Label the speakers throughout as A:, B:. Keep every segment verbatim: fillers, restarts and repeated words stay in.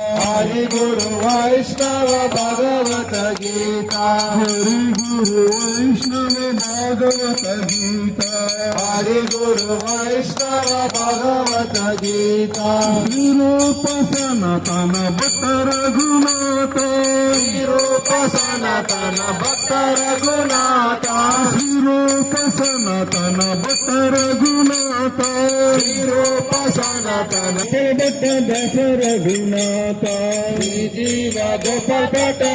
A: हरि गुरु वैष्णव भगवत गीता
B: हरि गुरु वैष्णव भागवत गीता
A: हरि गुरु वैष्णव भगवत गीता
B: रूप सनातन भट्ट रघुनाथ
A: रूप सनातन भक्त रघुनाथ
B: रूप सनातन भट्ट रघुनाथ
A: रूप सनातन
B: भट्ट दश रघुनाथ
A: जीव गोपाल भट्ट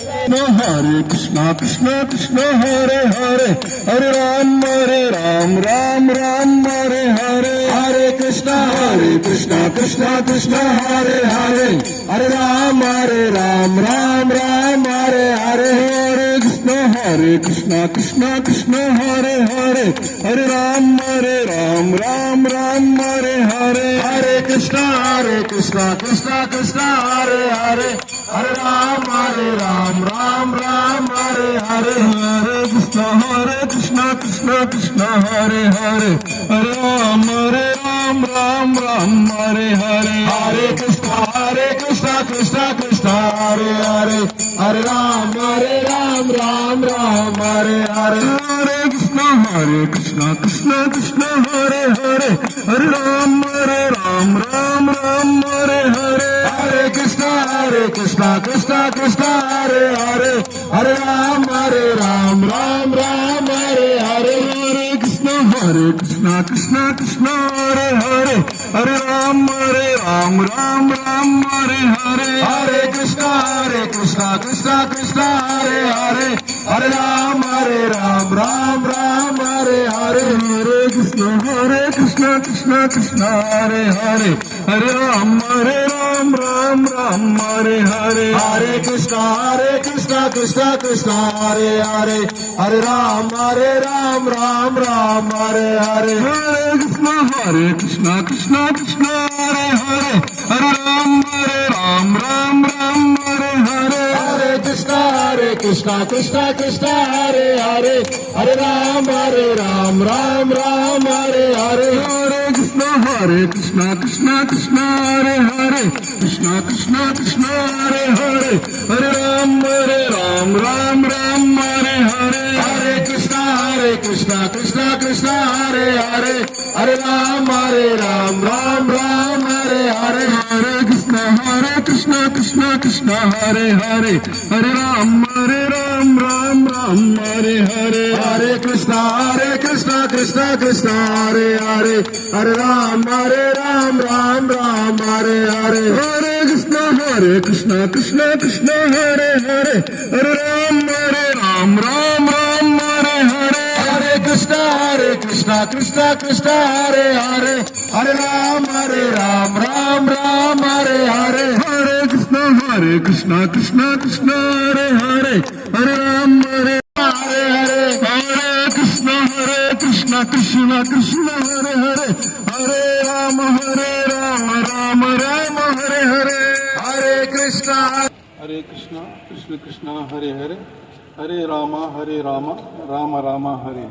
B: हरे कृष्णा कृष्णा कृष्णा हरे हरे हरे राम हरे राम राम राम हरे हरे
A: हरे कृष्णा
B: हरे कृष्णा कृष्णा कृष्णा हरे हरे हरे राम हरे राम राम राम हरे हरे हरे कृष्णा हरे कृष्णा कृष्णा कृष्णा हरे हरे हरे राम हरे राम राम राम हरे हरे
A: हरे कृष्णा हरे कृष्णा कृष्णा कृष्णा हरे हरे हरे राम हरे राम राम राम हरे हरे
B: हरे कृष्णा हरे कृष्णा कृष्णा कृष्णा हरे हरे हरे राम हरे राम राम राम हरे हरे
A: हरे कृष्णा हरे कृष्णा कृष्णा कृष्णा हरे हरे हरे राम हरे राम राम राम हरे हरे
B: हरे कृष्णा हरे कृष्णा कृष्णा कृष्णा हरे हरे हरे राम हरे राम राम राम हरे हरे
A: हरे कृष्णा हरे कृष्णा कृष्णा कृष्णा हरे हरे हरे राम हरे राम राम राम हरे हरे
B: हरे कृष्णा हरे कृष्णा कृष्णा कृष्णा हरे हरे हरे राम हरे राम राम राम हरे हरे
A: हरे कृष्णा हरे कृष्णा कृष्णा कृष्णा हरे हरे हरे राम हरे राम राम राम हरे हरे
B: हरे कृष्णा हरे कृष्णा कृष्णा कृष्णा हरे हरे हरे राम हरे राम राम राम हरे हरे
A: हरे कृष्णा हरे कृष्णा कृष्णा कृष्णा हरे हरे हरे राम हरे राम राम राम हरे हरे
B: हरे कृष्णा हरे कृष्णा कृष्णा कृष्णा हरे हरे हरे राम हरे राम राम राम हरे हरे
A: हरे कृष्णा हरे कृष्णा कृष्णा कृष्णा हरे हरे हरे राम हरे राम राम राम हरे हरे
B: हरे कृष्णा हरे कृष्णा कृष्णा कृष्णा हरे हरे कृष्णा कृष्णा कृष्णा हरे हरे हरे राम हरे राम राम राम हरे हरे
A: हरे कृष्णा हरे कृष्णा कृष्णा कृष्णा हरे हरे हरे राम हरे राम राम राम हरे हरे
B: हरे कृष्णा हरे कृष्णा कृष्णा कृष्णा हरे हरे हरे राम हरे राम राम राम हरे हरे
A: हरे कृष्णा हरे कृष्णा कृष्णा कृष्णा हरे हरे हरे राम हरे राम राम राम हरे हरे
B: हरे कृष्णा हरे कृष्णा कृष्णा कृष्णा हरे हरे हरे राम हरे राम राम राम हरे हरे
A: हरे कृष्णा हरे कृष्णा कृष्णा कृष्णा हरे हरे हरे राम हरे राम राम राम हरे हरे
B: हरे कृष्णा हरे कृष्णा कृष्णा कृष्णा हरे हरे हरे राम हरे
A: हरे हरे
B: हरे कृष्णा हरे कृष्णा कृष्णा कृष्णा हरे हरे हरे राम हरे राम राम राम हरे हरे
A: हरे कृष्णा
C: हरे कृष्ण कृष्ण कृष्ण हरे हरे हरे ರಾಮ ಹರೇ ರಾಮ ರಾಮ ರಾಮ ಹರೇ.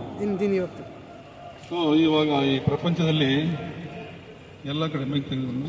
C: ಸೊ ಇವಾಗ ಈ ಪ್ರಪಂಚದಲ್ಲಿ ಎಲ್ಲ ಕಡೆ ಮೈಕ್ ತೆಗೆದು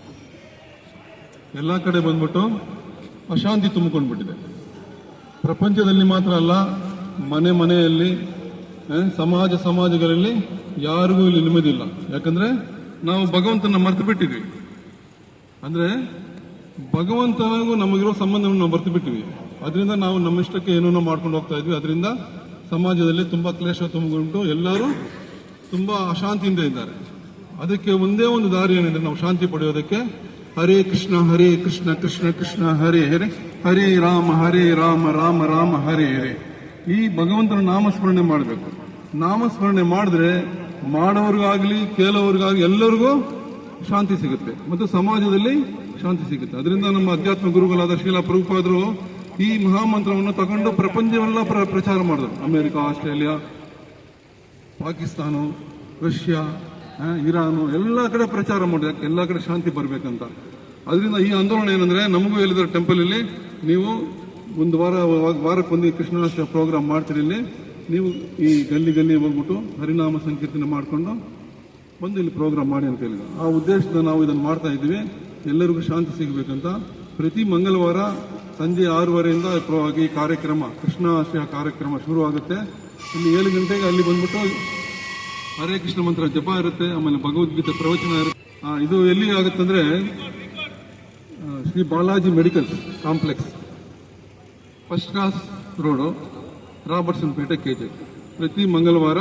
C: ಎಲ್ಲ ಕಡೆ ಬಂದ್ಬಿಟ್ಟು ಅಶಾಂತಿ ತುಂಬಿಕೊಂಡ್ಬಿಟ್ಟಿದೆ. ಪ್ರಪಂಚದಲ್ಲಿ ಮಾತ್ರ ಅಲ್ಲ, ಮನೆ ಮನೆಯಲ್ಲಿ, ಸಮಾಜ ಸಮಾಜಗಳಲ್ಲಿ ಯಾರಿಗೂ ಇಲ್ಲಿ ನೆಮ್ಮದಿಲ್ಲ. ಯಾಕಂದ್ರೆ ನಾವು ಭಗವಂತನ ಮರೆತು ಬಿಟ್ಟಿದ್ವಿ. ಅಂದ್ರೆ ಭಗವಂತನಿಗೂ ನಮಗಿರೋ ಸಂಬಂಧವನ್ನು ನಾವು ಮರೆತು ಬಿಟ್ಟಿವಿ. ಅದರಿಂದ ನಾವು ನಮ್ಮಿಷ್ಟಕ್ಕೆ ಏನೋ ಮಾಡ್ಕೊಂಡು ಹೋಗ್ತಾ ಇದ್ವಿ. ಅದರಿಂದ ಸಮಾಜದಲ್ಲಿ ತುಂಬಾ ಕ್ಲೇಶ ತುಂಬಿಕೊಂಡು ಎಲ್ಲರೂ ತುಂಬಾ ಅಶಾಂತಿಯಿಂದ ಇದ್ದಾರೆ. ಅದಕ್ಕೆ ಒಂದೇ ಒಂದು ದಾರಿ ಏನಿದೆ ನಾವು ಶಾಂತಿ ಪಡೆಯೋದಕ್ಕೆ, ಹರೇ ಕೃಷ್ಣ ಹರೇ ಕೃಷ್ಣ ಕೃಷ್ಣ ಕೃಷ್ಣ ಹರೇ ಹರೇ ಹರೇ ರಾಮ ಹರೇ ರಾಮ ರಾಮ ರಾಮ ಹರೇ ಹರೇ. ಈ ಭಗವಂತನ ನಾಮಸ್ಮರಣೆ ಮಾಡಬೇಕು. ನಾಮಸ್ಮರಣೆ ಮಾಡಿದ್ರೆ ಮಾಡೋರ್ಗಾಗ್ಲಿ ಕೇಳೋರ್ಗಾಗ್ಲಿ ಎಲ್ಲರಿಗೂ ಶಾಂತಿ ಸಿಗುತ್ತೆ ಮತ್ತು ಸಮಾಜದಲ್ಲಿ ಶಾಂತಿ ಸಿಗುತ್ತೆ. ಅದರಿಂದ ನಮ್ಮ ಅಧ್ಯಾತ್ಮ ಗುರುಗಳಾದ ಶ್ರೀಲ ಪ್ರಭುಪಾದರು ಈ ಮಹಾಮಂತ್ರವನ್ನು ತಗೊಂಡು ಪ್ರಪಂಚವೆಲ್ಲ ಪ್ರಚಾರ ಮಾಡಿದ್ರು. America, Australia, Pakistan, Russia, Iran ಎಲ್ಲ ಕಡೆ ಪ್ರಚಾರ ಮಾಡಿದ್ರೆ ಎಲ್ಲ ಕಡೆ ಶಾಂತಿ ಬರಬೇಕಂತ. ಅದರಿಂದ ಈ ಆಂದೋಲನ ಏನಂದ್ರೆ, ನಮಗೂ ಹೇಳಿದ್ರೆ ಟೆಂಪಲ್ ಅಲ್ಲಿ ನೀವು ಒಂದು ವಾರ ವಾರಕ್ಕೊಂದು ಕೃಷ್ಣಾಷ್ಟಮಿ ಪ್ರೋಗ್ರಾಮ್ ಮಾಡ್ತೀರಿ. ಇಲ್ಲಿ ನೀವು ಈ ಗಲ್ಲಿ ಗಲ್ಲಿ ಹೋಗ್ಬಿಟ್ಟು ಹರಿನಾಮ ಸಂಕೀರ್ತನೆ ಮಾಡಿಕೊಂಡು ಬಂದು ಇಲ್ಲಿ ಪ್ರೋಗ್ರಾಮ್ ಮಾಡಿ ಅಂತ ಹೇಳಿದ್ರು. ಆ ಉದ್ದೇಶದಿಂದ ನಾವು ಇದನ್ನು ಮಾಡ್ತಾ ಇದ್ದೀವಿ. ಎಲ್ಲರಿಗೂ ಶಾಂತಿ ಸಿಗಬೇಕಂತ ಪ್ರತಿ ಮಂಗಳವಾರ ಸಂಜೆ ಆರೂವರೆಯಿಂದ ಪ್ರ- ಈ ಕಾರ್ಯಕ್ರಮ ಕೃಷ್ಣಾಷ್ಟಮಿ ಕಾರ್ಯಕ್ರಮ ಶುರು ಆಗುತ್ತೆ. ಇಲ್ಲಿ ಏಳು ಗಂಟೆಗೆ ಅಲ್ಲಿ ಬಂದ್ಬಿಟ್ಟು ಹರೇ ಕೃಷ್ಣ ಮಂತ್ರ ಜಪ ಇರುತ್ತೆ, ಆಮೇಲೆ ಭಗವದ್ಗೀತೆ ಪ್ರವಚನ ಇರುತ್ತೆ. ಆ, ಇದು ಎಲ್ಲಿ ಆಗುತ್ತಂದ್ರೆ ಆ, Shri Balaji medical complex, first class road, Robertson Pet, KJ. ಪ್ರತಿ ಮಂಗಳವಾರ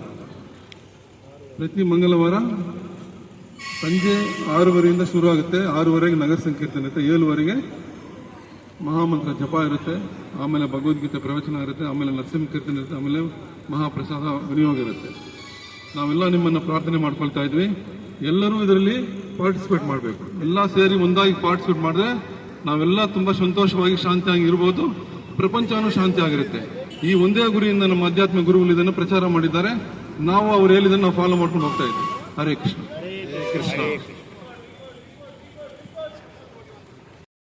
C: ಪ್ರತಿ ಮಂಗಳವಾರ ಸಂಜೆ ಆರೂವರೆಯಿಂದ ಶುರು ಆಗುತ್ತೆ. ಆರೂವರೆಗೆ ನಗರ ಸಂಕೀರ್ತನೆ ಇರುತ್ತೆ, ಏಳುವರೆಗೆ ಮಹಾಮಂತ್ರ ಜಪ ಇರುತ್ತೆ, ಆಮೇಲೆ ಭಗವದ್ಗೀತೆ ಪ್ರವಚನ ಇರುತ್ತೆ, ಆಮೇಲೆ ನರಸಿಂಹ ಕೀರ್ತನೆ ಇರುತ್ತೆ, ಆಮೇಲೆ ಮಹಾಪ್ರಸಾದ ವಿನಿಯೋಗ ಇರುತ್ತೆ. ನಾವೆಲ್ಲ ನಿಮ್ಮನ್ನು ಪ್ರಾರ್ಥನೆ ಮಾಡ್ಕೊಳ್ತಾ ಇದ್ವಿ. ಎಲ್ಲರೂ ಇದರಲ್ಲಿ ಪಾರ್ಟಿಸಿಪೇಟ್ ಮಾಡಬೇಕು. ಎಲ್ಲ ಸೇರಿ ಒಂದಾಗಿ ಪಾರ್ಟಿಸಿಪೇಟ್ ಮಾಡಿದ್ರೆ ನಾವೆಲ್ಲ ತುಂಬಾ ಸಂತೋಷವಾಗಿ ಶಾಂತಿಯಾಗಿ ಇರ್ಬೋದು, ಪ್ರಪಂಚನೂ ಶಾಂತಿ ಆಗಿರುತ್ತೆ. ಈ ಒಂದೇ ಗುರಿಯಿಂದ ನಮ್ಮ ಆಧ್ಯಾತ್ಮಿಕ ಗುರುಗಳು ಇದನ್ನು ಪ್ರಚಾರ ಮಾಡಿದ್ದಾರೆ. ನಾವು ಅವ್ರು ಹೇಳಿದ್ದನ್ನು ನಾವು ಫಾಲೋ ಮಾಡ್ಕೊಂಡು ಹೋಗ್ತಾ ಇದ್ವಿ. ಹರೇ ಕೃಷ್ಣ.
D: ಕೃಷ್ಣ.